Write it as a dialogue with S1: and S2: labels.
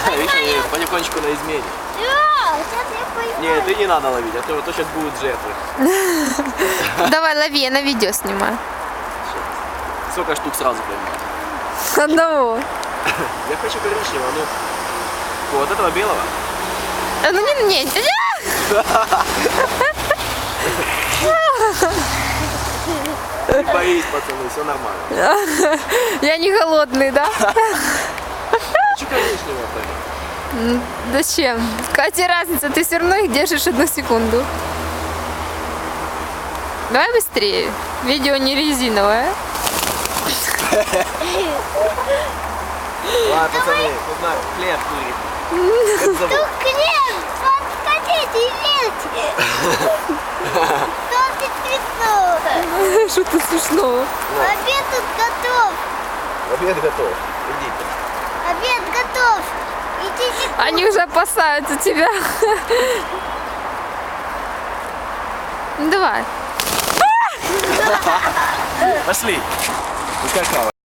S1: Видишь, они потихонечку на измене.
S2: Да, сейчас я пойму.
S1: Нет, ты не надо ловить, а то сейчас будут жертвы.
S3: Давай, лови, я на видео снимаю.
S1: Сколько штук сразу поймать?
S3: Одного.
S1: Я хочу коричневого, ну, вот этого белого.
S3: Ну не.
S1: Не боись, пацаны, все нормально.
S3: Я не голодный, да?
S1: Хочу коричневого поймать.
S3: Зачем? Какая разница, ты все равно их держишь 1 секунду. Давай быстрее. Видео не резиновое.
S1: Ладно, пацаны, тут на хлеб курит. Как зовут?
S2: Тут хлеб, подходите, ешьте. Что смешно?
S3: Что-то смешного.
S2: Обед тут готов.
S1: Обед готов. Идите.
S2: Обед готов. Идите.
S3: Они уже опасаются тебя. Ну, давай.
S1: Пошли. Пускай хавает.